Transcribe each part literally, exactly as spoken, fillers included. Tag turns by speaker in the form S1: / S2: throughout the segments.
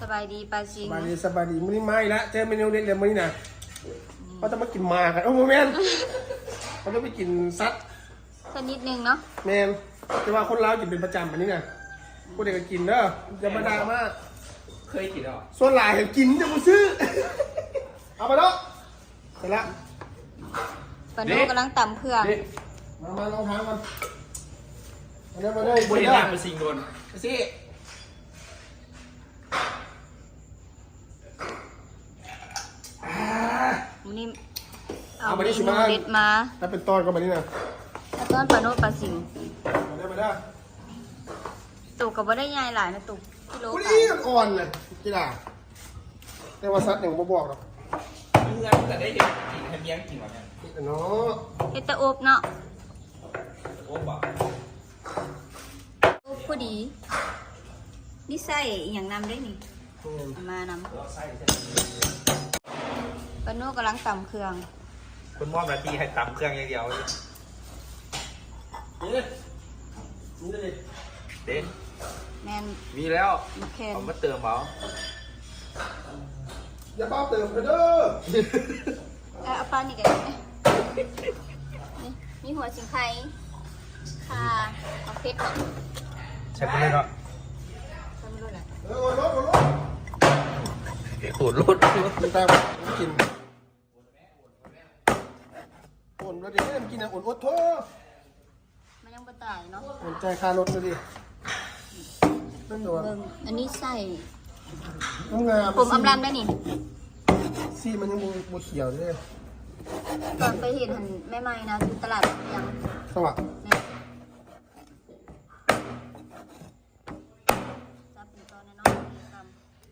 S1: บายดีปาซิง
S2: สบายดีสบายดีมื้อนี้ไม่ละเจอเมนูเด็ดเลยมื้อนี้นะเขาจะมากินหมากันโอ้โหแมนเขาจะไปกินซัด
S1: สักนิดนึงเนาะ
S2: แมนแต่ว่าคนลาวกินเป็นประจำอันนี้นะผู้เด็กก็กินเด้อจะมาด่ามาก
S3: เคยกินหรอ
S2: ส่วนหลายเห็นกินจะมาซื้อเอาไปแล้วเสร็จละ
S1: ปานุกำลังตำเครื่อง
S2: มามาลองทางมันมาเลยมาเลย
S3: บริษัทเป็นสิ่งโดน
S2: สิ
S1: วันนี้เอาเมนูเด็ดมา
S2: แล้วเป็นตอนก็มานี่นะ
S1: แล้วตอนปานุปาซิง
S2: มาได้มาได้
S1: ตุกกับว่าได้ยายหลายนะตุกกิโล
S2: กูนี่อ่อนเลยกีฬาแต่ว่าซัดอย่างบ่บอกหรอก
S3: เพื่อนแต่ได้เห็นกินให้เมียงกินวะเนี่ย
S2: เนาะ
S1: เฮ็ดแต่อบเนาะ
S3: โอ้บ่
S1: อบพอดีนี่ใส่อย่างนำได้นี่มานำปานุกำลังตำเครื่อง
S3: คุณมอบหน้าที่ให้ตำเครื่องอย่างเดียว
S2: นี่นี่เลย
S3: เด็ด
S1: แมน
S3: มีแล้ว
S1: เอา
S3: มาเติมเอา
S2: อย่าเป้าเติมเด้อ
S1: เอาปลานี่กันนี่มีหัวสิงไข่ค่ะเอาเพชร
S3: ใช้ไปเลยเนาะ
S1: ใช้ไม่รู้แหละ
S2: เออรถรถ
S3: ขูดรถ
S2: ตามกินอุ่นแล้วดิกินอ่ะอุ่นอดโทษ
S1: มันยังบ่ตายเนาะ
S2: อุ่นใจคารถเลยดินั่นตัว
S1: อันนี้ใส่
S2: งาม
S1: ผมอำลำได้นี่
S2: ซี่มันยังบูเขียวด้วย
S1: ตอนไปเห็นหันแม่ไม้นะที่ตลาดยัง
S2: สวัสดิ์
S1: จับเป็นตอนน้อยๆต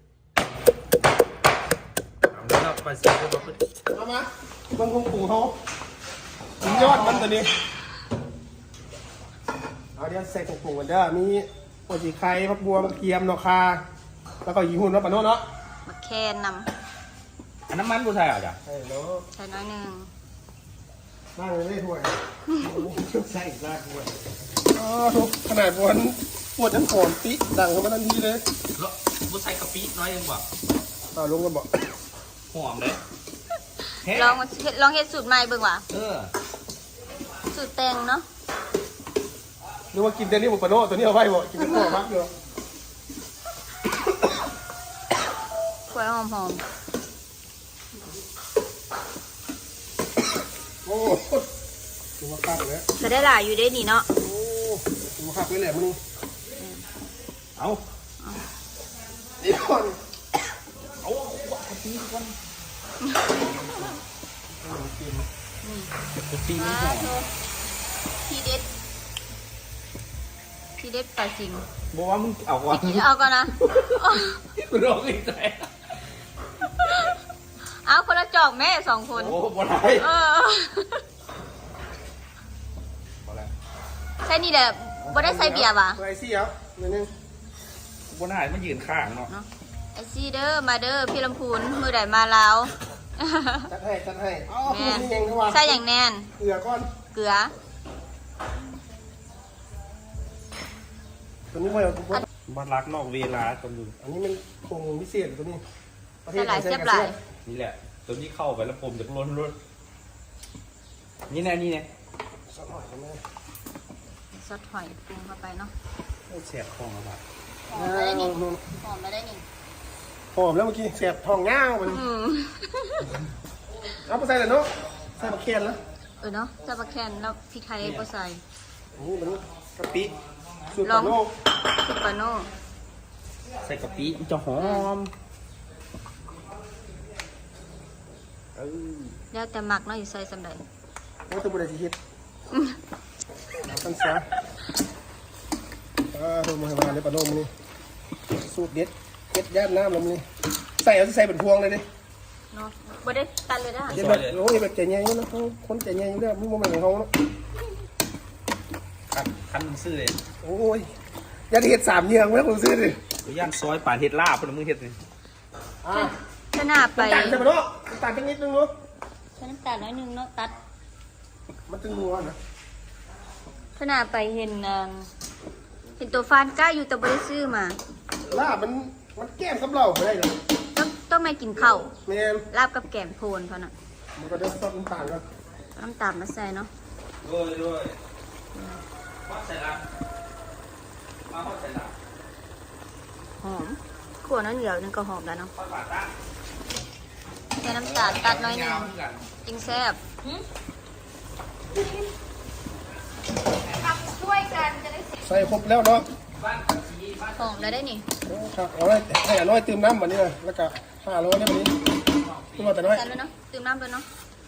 S3: ำแล้วไปสิก็บอก
S2: เอามาบางคงปู่เขายอดมันตัวนี้เอาเดี๋ยวใส่กงปูกันเด้อมีโอจิไข่พับบัวมะเขือเนาะค่ะแล้วก็ยีหุ่นเนาะปะโน่เนาะ
S1: มะแคนน
S3: ำอันน้ำมันผู้ชายอ่ะจ้ะ
S2: ใช่เนาะ
S1: ใส่น้อยหนึ่ง
S2: บ้างเลยถ้วยใส่อีกบ้างด้วยอ๋อขนาดบวนปวดทั้งโคนปิดังเข้ามาทันทีเลย
S3: แล้วผู้ชายกะปิน้อยยังบอก
S2: อ่าลงกันบอก
S3: หอมเลย
S1: ลองลองเฮ็ดสูตรใหม่เบิ่งว่ะ
S3: เออ
S1: สูตรแตงเนาะ
S2: หรือว่ากินแต่นี่บุปผาโน่ตัวนี้เอาไว้บ่กินเป็นตัวมักอยู่
S1: กล้วยหอมหอม
S2: โอ้ตัวมักคักเลย
S1: จะได้หลายอยู่ได้นี่เนาะ
S2: โอ้ตัวมักคักเลยแหละมึงเอาเดี๋ยวก่อน
S3: เอาว่าตีก่อน
S1: ตีไม่พอพี่เด็ดพี่เด็ดปลาจริง
S3: บอกว่ามึงเอาก่อน
S1: เอาก่อนนะ
S3: กูร้องอีกใจ
S1: เอาคนละจอกแม่สองคน
S3: โอ้บ่ได้
S1: เออใช่นี่แหละบ่ได้ใส่เบียร์ป่ะ
S2: ไอซี่ครับนิดนึง
S3: บ่ได้มันยืนข้างเนาะ
S1: ไอซี่เด้อมาเด้อพี่ลำพูนมือใดมาลาว
S2: จัดให้จัดให้อ๋อ
S1: ใส่อย่างแน่น
S2: เกลือก้อน
S1: เกลือ
S2: ตัวนี้ไม่เอา
S3: บ้านรักนอกเวลาตัวนึง
S2: อันนี้มันคงพิเศษตัวนี้
S1: ประเทศไหนเจ็บไหล
S3: นี่แหละตัวนี้เข้าไปแล้วผมจะล้นล้นนี่แน่นี่แน่
S2: ซอสหอยไหม
S1: ซอสหอยปรุงเข้าไปเนาะ
S3: แสบคองอะไร
S1: หอมไม่ได้นี่หอมไม่ได้นี่
S2: หอมแล้วเมื่อกี้แสบทองเงามันเอาไปใส่เลยเนาะใส่มะเขือแล้ว
S1: เออเนาะใส่มะเขือแล้วพริกไทยก็ใส่
S2: นี่มันกะปิสูตร
S1: ปา
S2: โน่
S1: สูตรปาโน่
S3: ใส่กะปิจะหอม
S1: แล้วแต่หมักเนาะอยู่ใส่สำใด
S2: โอ้ตัวบุหรี่สีเห็ดตั้งซะอ่าดูมาให้มาเลยปลาโน่มันนี่สูตรเด็ดเด็ดย่านน้ำลมนี่ใส่เอาใส่เป็นพวงเลยดิ
S1: เนาะบ่ได้ตัดเลยนะ
S2: เด็ดแบบโอ้ยแบบใจเย็นนะเขาคนใจเย็นอยู่แล้วมึงโมเมนต์ของเขาเนาะ
S3: คันคันมึงซื้อเลย
S2: โอ้ยยัดเห็ดสามเยืองแล้วมึงซื้อดิ
S3: ย่างซอยป่าเห็ดลาบพวกมึงเห็ดเลย
S2: อ่า
S1: ขนาดไป
S2: ตัดใช่ไหมเนาะตัดแค่นิดนึงเนาะ
S1: ใช้น้ำตาลน้อยนึงเนาะตัด
S2: มันตึงนัวนะ
S1: ขนาดไปเห็นเห็นตัวฟานก้าอยู่แต่ไม่ได้ซื้อมา
S2: ลาบมันมันแก้มกับเหล้าไม่ได้หรอก
S1: ต้องต้องไม่กินข้าว
S2: แม่น
S1: ลาบกับแกงโพนเขาน่ะ
S2: มันก็จะซดน้ำตาลกัน
S1: น้ำตาลมาใส่เนาะ
S3: ด้วยด้วยวัดใส่ละมาวัดใส่ละ
S1: หอมขั่วน้ำเหนียวนึงก็หอมแล้วเนาะ
S3: วัดบาตา
S1: ใส่น้ำตาลตัดน้อยหนึงจริงแซ่บช่วยกันจะได้
S2: ใส่ครบแล้วเนาะ
S1: หอมแล้วได้นี่
S2: ครับเอาไว้ให้อน้อยเติมน้ำแบบนี้นะแล้วก็ห้าร้อยได้แบบนี้ตัวแต่น้อย
S1: ใส่เลยเนาะตื่มน้ำเลยเนาะ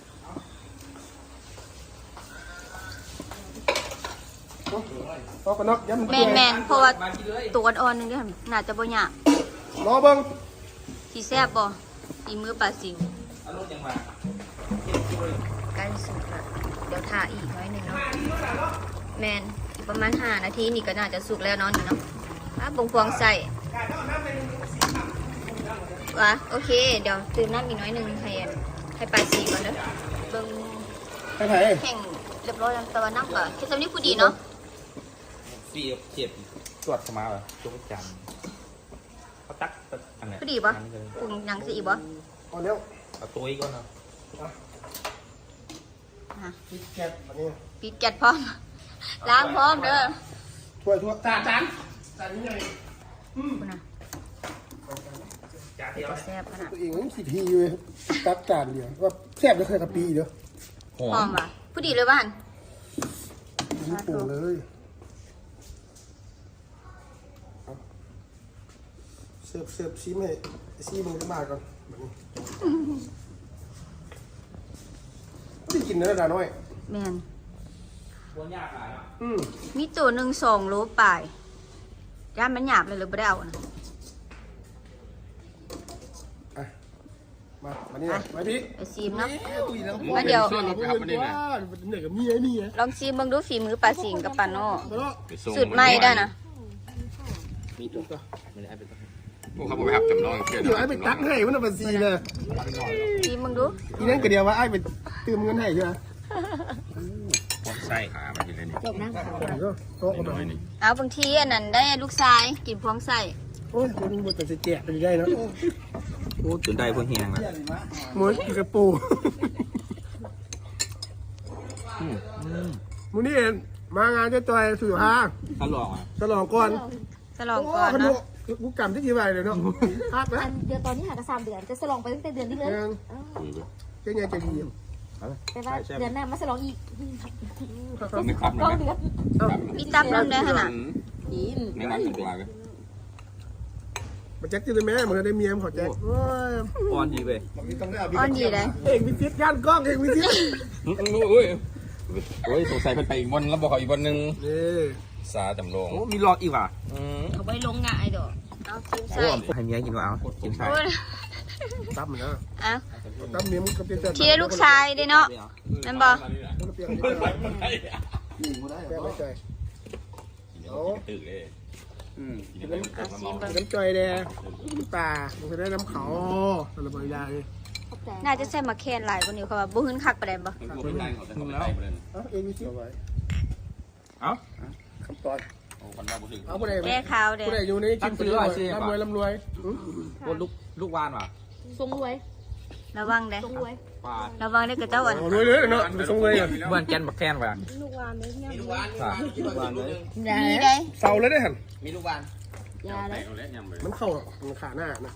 S2: เอากันเนาะย้ำมัน
S1: แม
S2: เปื่อน
S1: แม
S2: ย
S1: นเพราะว่า
S3: มากินเลย
S1: ตัวอ่อนๆนึงเด้อน่าจะบ่ยาก
S2: รอเบิ้ง
S1: สีแซ่บบ่สีมือปลาสิว
S3: อารมณ์ยังมา
S1: ใกล้สุดละเดี๋ยวทาอีกน้อยหนึ่งเนาะแมนอีกประมาณห้านาทีนี่ก็น่าจะสุกแล้วเนาะนี่เนาะอ่ะบงพวงใส่วะโอเค เดี๋ยวตื่มน้ำอีกน้อยหนึ่งให้ให้ปลาสีก่อนเด้อเบิ่ง
S2: ให้ไผ่
S1: แห้งเรียบร้อยแล้วแต่ว่าน้ำก็แค่สำนี้ผู้ดีเนาะ
S3: ฟีเขียบตรวจเข้ามาแบบจุ๊บจันเขาตักอันไหน
S1: ผู้ดีปะปรุงหยังสิอีกบ่
S2: เอาเร็ว
S3: เอาตัวอีกก่อนเนาะ
S1: อ่ะ
S2: พริกแกงแบบนี้
S1: ปิดแก๊สพร้อมล้างพร้อมเด้อ
S2: ถ้วยถ้วยจานจานจานนี้ใหญ่
S1: คุณน่ะ
S3: จานเดียว
S1: แซ่บขนาด
S2: ตัวเองมันสิทีอยู่เลยตักจานเดียวว่าแซ่บจะเคยกับปีเดียว
S3: หอ
S1: พร้อ
S3: ม
S1: มว่ะผู้ดีเลยบ้าน
S2: นี่ปรุงเลยเสิร์ฟเสิร์ฟซีมให้ซีมึงจะมาก่อนแบบนี้ไม่ได้กินเนื้อดาน้อย
S1: แมน
S3: ควรยากขายอ่ะ
S2: อืม
S1: มีตัวหนึ่งสองโลปลายย่านมันหยาบเลยหรือไม่ได้เอานะ
S2: อ่ะมามานี่นะมาพี่
S1: ไปซีมเนาะ
S2: ตุยแล้ว
S1: มาเดี๋ยว
S2: ส่วนเราครับมันนี่นะเหนื่อยกับเมียนี่ไง
S1: ลองซีมเบิ่งดูฝีมือปลาสิงกับปลาโน่
S2: มาแล้ว
S1: สูตรใหม่ได้นะ
S3: มีตัวไม่ได้เป็นตัว
S4: พวกเขาไปหับจำลองเพื่อน
S2: เดี๋ยวไอ้ไปตักให้มันเป็นซีเลย
S1: ซีมเบิ่งดู
S2: อีนั่นก็เดียวว่าไอ้ไปเติมเงินให้ใช่ไหม
S4: พวกไส้ขามาทีละนี่
S2: ก็โต๊ะกันหน่
S4: น้
S2: อ
S4: อย ยนี่
S1: เอาบางทีอันนั้นได้ลูกชายกินพวงใส่
S2: โอ้ยมันมันจะแจกไปได้เนาะ
S3: โอ้จนได้พวกเฮียงแล้ว
S2: มวยกระปูมูนี่มางานจะจอยสื่อฮา
S3: ถ้าลองอ่ะ
S2: ฉลองก่อน
S1: ฉลองก่อนเนาะ
S2: กูกรรมที่กี่ใบเลยเนาะฮักนะ
S5: อันเดือนตอนนี้หากระสามเดือนจะสลองไปตั้งแต่เดือนนี้เลย
S2: ยังเจ๊ยังใจดี
S5: แต่ว่าเดือนหน้ามาสลองอีก
S4: ไม่ครับ
S5: เก้าเดือน
S1: มีตับน้ำได้ขนาด
S4: ไม่นั่งกันตัวเลย
S2: มาแจ็คจะได้แม่เหมือนได้เมียมขอแจ็คโอ้ย
S3: อ่อนดีเว้ย
S1: อ่อนดีเลย
S2: เอกวิทิศย่านกล้องเอกวิทิศ
S4: รู้เอ้ยโอ้ยสงสัยเพิ่นไปอีกบนแล้วบอกเขาอีกบนหนึ่ง
S2: นี่
S4: สาจำลอง
S3: โอ้มีหลอดอีกว่ะ
S4: อืม
S1: เอาไว้ลงง่ายดอกเอาซีม
S3: โอ้
S1: ใส่
S3: ให้เมียกินว่ะเอากินใช่
S1: โอ้ย
S2: ตั้มนะ
S1: เอา
S2: ตั้มเมียมันก็เป็นแต่
S1: ทีได้ลูกชายเด้เนาะนั่นบ่
S2: มันเปลี่ยนไม่ได้แก้ไม่ใจ
S4: โอ้ตื่นเลยอืม
S1: เอาซีมเบิ่ง
S2: น้ำจอยแดงตามันจะได้น้ำเขาอะไรบางอย่างเลย
S1: น่าจะใส่มาแคนหลายกว่านี้เพราะว่าบ่หื้นคักปานใดบ่
S4: เป็นไงเขาจะเขาไปไล่ไปเลย
S2: เอาเอกวิทิศ
S3: เอ้า
S2: คำตอบ
S4: โอ้คนเราบุตร
S2: เอาไปไหน
S1: แก้ขาวเด้
S2: ผู้ใดอยู่ในกินไปด้วยร่ำรวยร่ำรวย
S3: โอ้ลูกลูกวานว่ะ
S5: ทรงรวย
S1: ระวังเด้
S5: ทรงรวย
S3: ปลา
S1: ระวังเด้อกระเจ้าอัน
S2: รวยเลยเนาะทรงเลยอ่ะ
S3: เมื่อนแกนบักแคนว่ะ
S5: ลูกวานเลยเนี่ย
S3: ค่ะลูกวานเลย
S1: มีได้
S2: เสาเลยได้หัน
S3: มีลูกวาน
S5: ยาเลย
S4: เอาแล้วยำเลย
S2: มันเข้ามันขาหน้านะ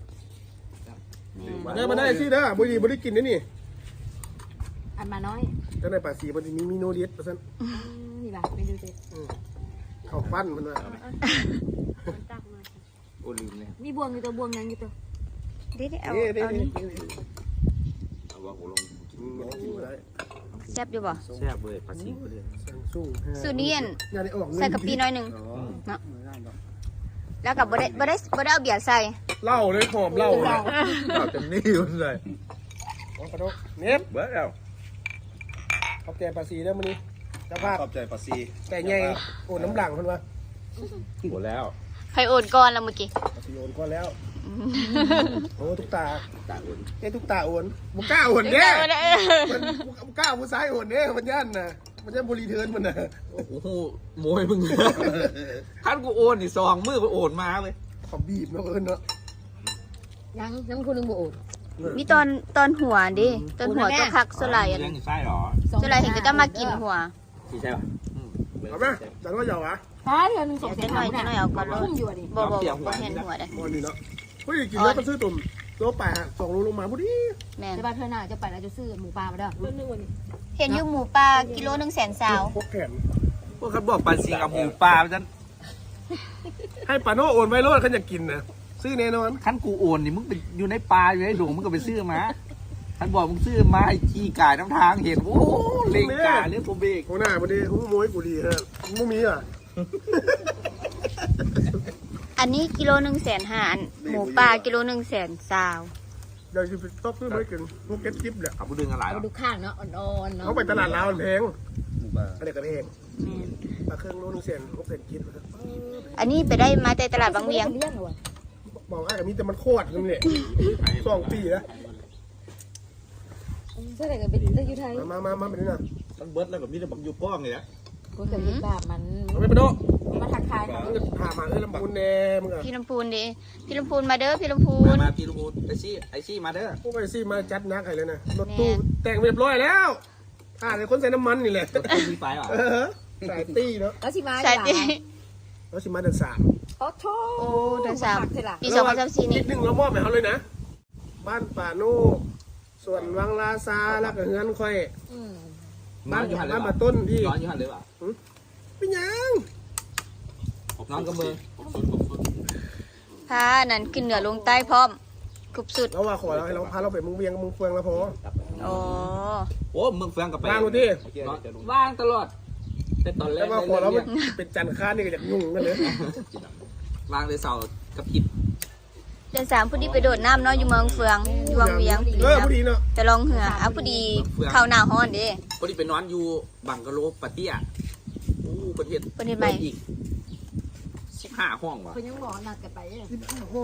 S2: มาได้มาได้สิเด้อบุรีบุรีกินนี่นี่
S5: อันมาน้อย
S2: เจ้าในป่าสีมันมีมีโนเดียสเปอร์เซ็นต์
S5: นี่ป่ะไม่ดูสิ
S2: เข้าปั้นมันเลย
S5: ตักมา
S3: โอ้ลืมเลย
S5: มีบวงอยู่ตัวบวงยังอยู่ตัว
S1: เด้เอา
S2: นี่นี่
S1: เอา
S2: นี่
S1: นี่
S4: เอาว่าโหลง
S1: แซ่บอยู่บ่
S3: แซ่บเลยปลาสิงเลย
S2: สู้
S1: สูตรนี้อัน
S2: งานนี้ออก
S1: ใส่กะปิน้อยหนึงเนาะแล้วก็บ่ได้บ่ได้บ่ได้เอาเบียร์ใส่
S2: เหล้าเลยหอมเหล้าเลย
S3: เอาเต็มนี่เลย
S2: ขอโทษเน็บ
S3: เบิร์ดแล้ว
S2: ขอบใจป่าสีแล้วมันนี้เจ้าภาพ
S4: ขอบใจปาซี
S2: แต่ไงโอ้น้ำหลังคนวะ
S3: หมดแล้ว
S1: ใครโอนก่อนแล้วเมื่อกี้
S2: ป่าสีโอนก่อนแล้วโอ้ทุกตา
S3: ตาอุ่น
S2: เอ้ทุกตาโอนบุก้าโอนเด้มันบุก้าผู้ซ้ายโอนเด้มันย่านน่ะมันย่านบริเทิร์นมันน่ะ
S3: โอ้โหโมยมึงท่านกูโอนนี่ซองมือกูโอนมาเลย
S2: ขอบีบเนาะเอิญเนาะ
S5: ยังยังคุณนึงบ่โอด
S1: มีตอนตอนหัวดิตอนหัวตัวคักสลายอัน
S3: เลี้ยงอยู่ไส้หรอ
S1: สลายเห็นก็จะมากินหัว
S3: ที่ใช่ป่ะ
S2: เอาไหมดังก็ยาวอ่ะ
S5: ถ้าเดือนหนึงสอง
S1: เดี๋ยว
S5: แส
S1: จะ
S5: น
S1: หน่อยจะหน่อยเอาก่อนเลย
S5: คุ้มอยู่ดิ
S1: บ่บ่บ่เห็นหัวได้
S2: มอนี่เนาะเฮ้ยกินแล้วก็ซื้อตุ่มโลแปดสองโลลงมาพอดี
S1: แม่น
S5: แต่บ้านเธอหน้าจะไปแล้วจะซื้อหมูปลามาเด้อ
S1: เห็นอยู่หมูปลากิโลหนึ่งแสนสาว
S2: พกแขน
S3: พวกเขาบอกปลาซิงกับหมูปลาฉัน
S2: ให้ปาโน่โอนไว้โลดเขาอยากกินนะซื้อแน่นอน
S3: ขั้นกูโอนนี่มึงไปอยู่ในปลาอยู่ในดงมึงก็ไปซื้อมาท่านบอกมึงซื้อมาให้ขี้กายน้ำทางเห็นโอ้เล็งกาเรื่องโคเบก
S2: โอ้หน้าพอดีโอ้โมยกูดีฮะมูมีอ่ะ
S1: อันนี้กิโลหนึ่งแสนห้าอันหมูปลากิโลหนึ่งแสนสาว
S2: เดี๋ยวจะไปต๊อกซื้อไม่กินพวกเก็ตจิ๊บเนี่ย
S3: เอาไปดึงอะไรหร
S5: เอา
S3: อ
S5: ดูข้างเนาะอ่อนๆเนาะ
S2: เขาไปตลาดลาวมันแพง
S3: หมูปลา
S2: อันนี้ก็แพง
S1: แม่น
S2: ปลาเครื่องโลนึงเซนหกเซนคิด
S1: อันนี้ไปได้มาแต่ตลาดบางเวียง
S5: เลี้ยงเหรอวะ
S2: บอกว่าแต่มีแต่มันโคตรนั่นแหละสองปีแล้ว
S5: ใช่แต่ก็เป็นได้อยู่ไทย
S2: มามามาเป็นนี่นะ
S3: มันเบิร์ดแล้วแบบนี้แต่บังยูป้องเลยนะ
S5: กูจะกินแบบมัน
S2: เอาไปปะโน่
S5: มาทักทายเขา
S2: มึงพามาเอ้ยลำพูนแน่มึงอ่ะ
S1: พี่ลำพูนดิพี่ลำพูนมาเด้อพี่ลำพู
S3: มาน มาพี่ลูกไอซี่ไอซี่มาเด้อ
S2: พวกไอซี่มาจัดนักใครเลยนะรถตู้แต่งเรียบร้อยแล้วอ่าแต่คนใส่น้ำมันนี่แหละ
S3: รถตู้มีไฟหรอ
S2: เออสายตี้เนาะ
S5: แล้วสิมา
S1: ใช่ดิ
S2: แล้วสิมาเดินสาม
S5: โอ้โถ
S1: โอ้เดือนสาม
S5: เท่าไหร่
S1: ปีสองพันสามสิบสี่
S2: นิ
S1: นี่
S2: ดนึงเรามอบให้เขาเลยนะ บ้านป่าโน่ส่วนวังลาซาแล้วก็เฮือนค่อย
S5: อืม
S2: บ้านบ้านมาต้นที่
S3: นอนอยู่หันเลยป่ะ
S2: เป็นยัง
S3: นอนกับมือ
S1: พานั่นขึ้นเหนือลงใต้พร้อมกรุบสุด
S2: เราว่าขอเราให้เราพาเราไปมึงเวียงมึงเฟืองแล้วพอ
S1: โอ้
S3: โอ้มึงเฟืองกับไป
S2: ว่างดูที่
S3: ว่างตลอดแต่ตอนแร
S2: แล้ว
S3: ก
S2: ว่าขอเราเป็นจันทร์ค้านี่ก็อยากยุ่งกันเลย
S3: ว่างเลยเสาร์กับผิด
S1: เดือนสามพอดีไปโดดน้ำเนาะอยู่เมืองเฟืองอยู่วังเวียง
S2: เออพอดีเนาะ
S1: ไปลองเหืออ่ะพอดีเข้าหน้าฮ้อนเดิ
S3: พอดีไปนอนอยู่บังกะโลปาเตี้ยโอ้ประเทศ
S1: ประเทศใหม่
S3: อีกสิบห้าห้องว่ะ
S5: เขายังบอกนัดกันไปเนี่ย
S2: สิบห้าห้อง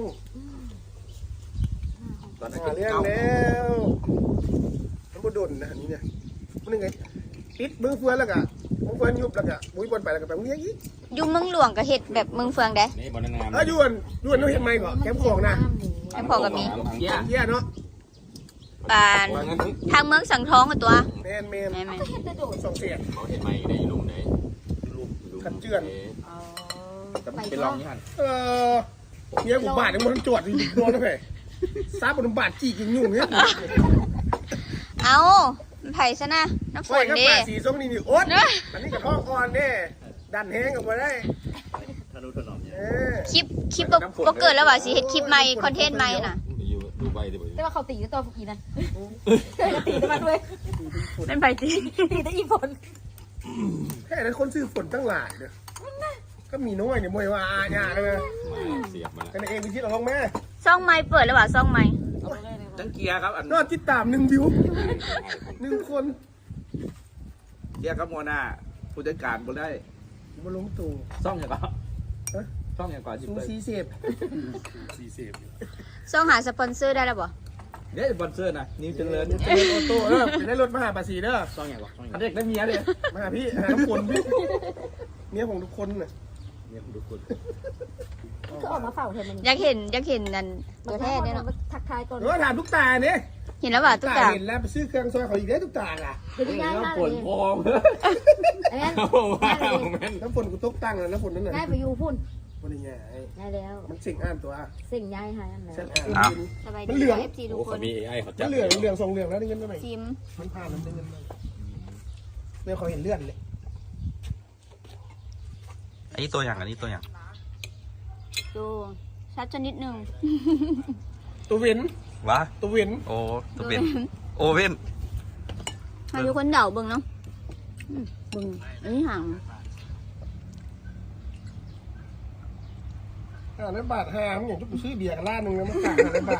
S3: ตอนนั้น
S2: หา
S3: เป็น
S2: เรื่อง
S3: เก้า
S2: แล้วมันบ่ดนนะอันนี้เนี่ยมันยังไงปิดมึงเฟืองแล้วก็มึงเฟืองยุบแล้วก็บุ้ยบอลไปแล้วก็แบบมึงยังอีก
S1: อยู่เมืองหลวงก็เฮ็ดแบบเมืองเฟืองได้
S4: นี่บอลนาน
S2: เออยวนยวนต้องเห็นไหมก่อนแคมป์ของนะ
S1: แม่พอกับมี
S3: เยี่ย
S2: เยี่ยเนาะ
S1: ปานทางเมืองสังทองกับตัว
S2: แมนแมน
S1: แม่แม่
S2: สองเสีย
S4: เขาเห็นไหมได้ลุงไหน
S2: ขัดเจือน
S3: แต่มันเป็นรองนี่หัน
S2: เออเมียกูบาดยังมันจวดอยู่โดนแล้วไงซาบนบาดจีกินยุ่งเนี่ย
S1: เอามันไผ่ซะนะน้ำฝ
S2: ไฟ
S1: น
S2: ก็
S1: เดิ
S2: บาดสีส้มนี่นี่โอ๊ตอันนี้กับท้องอ่อนเนี่ยดันแห้งกับมาได้เออ
S1: คลิปคลิปบ่บ่เกิดแล้วว่ะสิเฮ็ดคลิปใหม่คอนเทนต์ใหม่น่ะ
S4: อยู่ดูใบดิบ่
S5: แต่ว่าเขาตีตัวอีนั่นเคยตีมาด้วย
S1: เป็นไผ่ตี
S5: ตีแต่อีฝน
S2: แค่นั้นคนซื้อฝนตั้งหลายเนี่ยก็มีน้อยเนี่ยมวยว่าอาญาเลย
S4: เสียบมา
S2: กันเองไปคิดเอาลงแม่
S1: ซ่องใหม่เปิดแล้วว่ะซ่องใหม่
S3: ตั้งเกียร์ครับอัน
S2: ก็ติดตามหนึ่งวิวหนึ่งคน
S3: เกียร์กับมัวหน้าผู้จัดการบ่ได้
S2: บนลงตู่
S3: ซ่องอย่างก่อนซ่องอย่างก่อนสิ
S2: ซู
S3: เปิด
S2: ซีเสพ
S1: ซ่องหาสปอนเซอร์ได้แล้วบ่
S3: เดี๋ยวสปอนเซอร์นะนิวเจริญ
S2: เจริญออโต้เออจะได้รถมาหาภาษีเด้อ
S3: ซ่องอย่างก่อนอันเด็กได้เมียเลย
S2: มาหาพี่หาทุกคนพี่เมียของทุกคนน่ะ
S3: เนี่ยทุกคน
S5: คือออกมาเฝ้าเธอมัน
S1: อยากเห็นอยากเห็นนั่นตัวแท้เนี่ยเนาะ
S5: ทักทายก่อน
S2: เออถามทุกตาเนี่ย
S1: เห็นแล้วว่ะทุกอย่าง
S2: เห็นแล้วไปซื้อเครื่องซอยเขาอีกได้ทุกตาอ่ะ
S5: เดี๋ยวง่ายมาก
S3: ฝ
S5: เล
S3: น
S5: ย
S3: พอง
S5: ไอ้นั่น
S4: ว้าวแม่น
S2: น้ำฝนกูตกตั้งแล้วน้ำฝนนั่นน่ะ
S5: ง่ายไปอยู่พุ่น
S2: วันนี้ไง
S5: ง่ายแล้ว
S2: มันสิ่งอ่านตัว
S5: สิ่งย้ายหายอันไหน
S2: เส้นอ่าน
S1: สบาย
S2: มั
S1: ดี
S2: นเหลือง
S1: เอฟซีทุก
S4: โอ้
S1: ค
S4: เขา
S1: น
S4: มีเอไอเขาจั
S2: มั
S4: บ
S2: นเหลืองเหลืองทรงเหลืองแล้วได้เงินเท่าไหร่
S1: ซิม
S2: มันผ่านแล้วได้เงินมาเนี่ยเขาเห็นเลือดเลย
S3: อันนี้ตัวอย่างอันนี้ตัวอย่าง
S1: ดูชัดชนิดหนึ่ง
S2: ตัวเว้น
S3: วะ
S2: ตัวเว้น
S3: โอ้ตัวเป็นโอเว่น
S1: มาดูคนเดาเบิ่งเนาะอืมเบิ่งอันนี้ห่าง
S2: อ่าแล้วบาทห้ามันอย่างที่กูซื้อเบียร์กันล้านหนึ่งแล้วมันต่างกันเลยบาท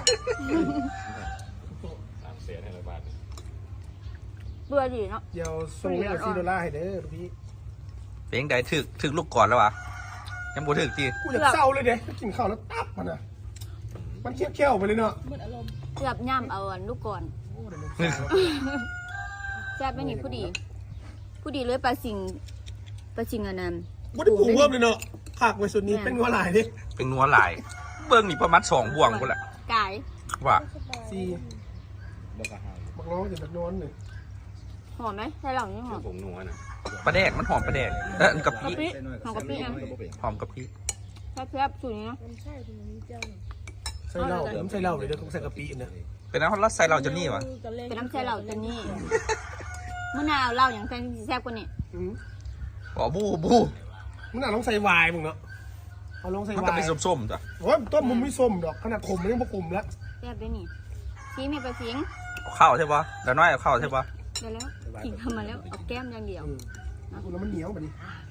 S4: สามแสนให้ร้อยบาท
S1: เบื่อดีเนาะ
S2: เดี๋ยวส่งเงินซีดอลลาร์ให้เด้อพี่
S3: เพลงใดถึกถึกลูกก่อนแล้ววะยังบ่ถึกจี
S2: กูอยากเศร้าเลยเด้กินข้าวแล้วตับมันอ่ะมันเคี้ยวเคี้ยวไปเลยเนาะ
S1: เกือบย่ำเอาอันลูกก่อน
S2: โอ้เดี๋ยวมันเศร้า
S1: แซ่บไม่นี่ผู้ดี ผู้ดีเลยปลาสิงปลาสิงอันนั้น
S2: บ่ได้ปรุงเพิ่มเลยเนาะขากไว้สุดนี้เป็นงัวลายดิ
S3: เป็นนัวหลายเบิ่งนี่ประมาณสองบ่วงพุ่นแหละ
S1: ไก่
S3: ว่า
S2: สี่บักน้องจะบักนอนหนึ่ง
S1: หอมไหมใช่หรอนี่หอม
S4: ผมนัวนะ
S3: ปลาแดกมันหอมปลาแดกเออกะ
S1: กะ
S3: ปิ
S1: ปิหอมกะปินะ
S3: หอมกะปิ
S1: แซ่บๆสูตรนี้เนาะ
S2: ใส่เหล้าผมใส่เหล้าเลยเด้อผมใส่กะปิเนี่ย
S3: เป็นน้ำฮอตลัสใส่เราจะนี่วะ
S1: เป็นน้ำแช่เหล่าจันนี่มะนาวเหล้าอย่างแซ่บแซ่บกว่านี่
S2: อืม
S3: อ๋อบูบู
S2: มึงน่าลองใส่วายมึงเนาะเอาลองใส่
S3: มัน
S2: วา
S3: จะ
S2: ย
S3: เป็นส้มๆจ้ะ
S2: โอ้ยต้นมึงไม่ส้มดอกขนาดขมมันยังบ่ขมแล้ว
S1: แซ่บด้วยนี่ซีมีไปสิง
S3: เอาข้าวใช่ปะเดี๋ยวน้อยเอาข้าวใช่ปะ
S1: เดี๋ยวแล้วกินทำมาแล้วเอาแก้มอย่างเดียว
S2: อืมกูแล้วมันเหนียวแบบนี้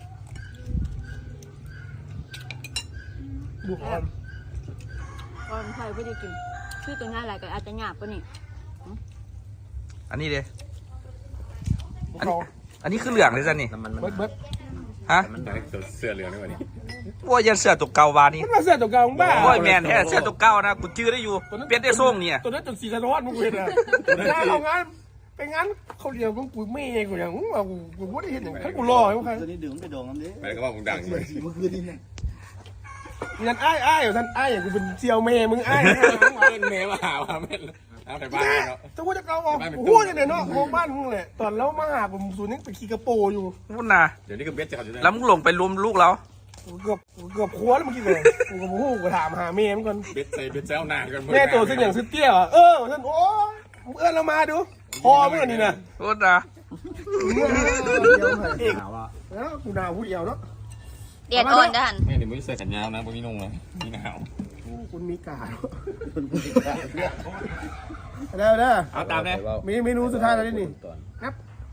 S2: ดูก่อน
S1: ก่อนใครไม่ได้กินชื่อตัวง่ายอะไรก็อาจจะหยาบกว่านี่
S3: อันนี้เด้
S2: บุกเขา
S3: อันนี้คือเหลืองเลยจ้ะนี่
S4: น้ำมันมัน
S2: เบิดเบิด
S3: ฮะ
S4: มันได้เสื้อเหลืองนี่วะนี่
S3: โอ้ยยันเสือตัวเก่าวานี่
S2: มันมาเสียตัวเก่าของบ้า
S3: โอ้ยแมนแท้เสือตัวเก่านะกูจื้อได้อยู่เปลี่ยนได้ส่งเนี่ย
S2: ตัวนั้นจนสีสะท้อนมึงเห็นอ่ะถ้าเอางานไปงานเขาเรียกมึงกูไม่กูอย่างมึงมากูกูไม่ได้เห็นอย่างนั้นกูรอให้มึงใคร
S6: ตัวนี้ดื่มไปโดงน้ำดิ
S4: ไปก็ว่ามึงดังเลย
S6: เมื่อคืนนี่เนี่ย
S2: งั้นอ้ายอ้ายอยู่ท่านอ้ายอย่างกูเป็นเซียวเมย์มึงอ้าย
S4: เล่นเมย์มาหาว่าเม่นเอาไปบ้านเนาะ
S2: จะว่าจะเกาออกหัวจะเนี่ยเนาะมองบ้านมึงแหละตอนแล้วมาหาผมศูนย์นี่ไปขี่กระโปอยู่
S3: พุ่นนะ
S4: เดี๋ยวนี้ก็เบ็ดจะเขาอยู่ได้
S3: แล้วมึงลงไปรวมลูกเรา
S2: กูเกือบกูเกือบครัวแล้วเมื่อกี้เลยกูกับหูกูถามหาเมย์มันก่อน
S4: เบ็ดใส่เบ็ดเจ้านานกัน
S2: แม่ตัวซึ่งอย่างซึ่งเตี้ยเออท่านโอ้มึงเอื้อนเรามาดูพอมึงอันนี้นะ
S3: พุ่นนะ
S2: เอกแล้วกูด่าผู้เดียวเนาะ
S1: เดียดอ่อนด้าน
S4: แม่เดี๋ยวมึงใส่แขนยาวนะพวกนี้นุ่งนะนี่หนาว
S2: คุณมีกาดเด้อเด้อ
S3: เอาตามเลย
S2: มีเมนูสุดท้ายแล้วนี่ครับ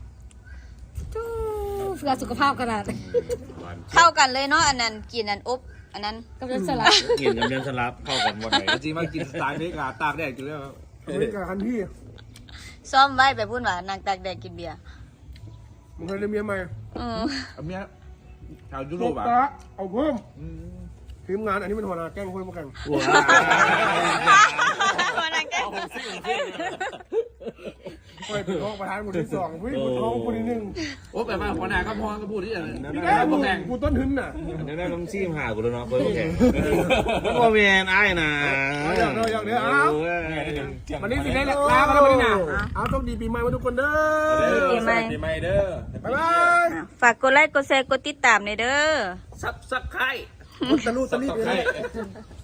S5: เพื่อสุขภาพขนาด
S1: เข้ากันเลยเนาะอันนั้นกินอันอบอันนั้น
S5: กับเรื่องสลัด
S6: กินกับเดือนสลับเข้ากันหมดเลย
S3: จริงมากินสไตล์นี้กาตากแดดอยู่แล้ว
S2: อเมริกาคันพี่
S1: ซ้อมไว้ไปพูดว่านางตากแดดกินเบียร์
S2: มึงเคยเรียนเมียใหม่
S1: อืม
S3: อันเนี้ยชาวยุโร
S2: ลู
S3: ป
S2: ก
S3: อ่ะ
S2: ตาเอาเพิ่มทีมงานอันนี้เป็นหัวหน้าแก๊งคนมากัน
S6: ว้า
S1: นางแก้ว
S2: คอยเป็นรองประธานคนที่สองผู้หญิงคนท้องคนที่หนึ่ง
S3: โอ้แปลว่าหัวหน้าก็พอก็พูดที่อย่างนั้น
S2: พี่แม่กูกูต้นทุนน่ะ
S6: อันนี้ได้ลงซีมหากูแล้วเนาะคนแข่งแล้วก็เวียนไอ้นะ
S2: เอาเดี๋ยวเดี๋ยวเดี๋ยวเอาวันนี้สิได้ลากันแล้ววันนี้นะเอาต้องดีปีใหม่มาทุกคนเด้อ
S1: ปีใหม่
S4: ปีใหม่เด้อ
S2: บ๊ายบาย
S1: ฝากกดไลค์กดแชร์กดติดตามในอยเด้อ
S3: ซับซับไข่
S2: คนตะลุตะลิบเลย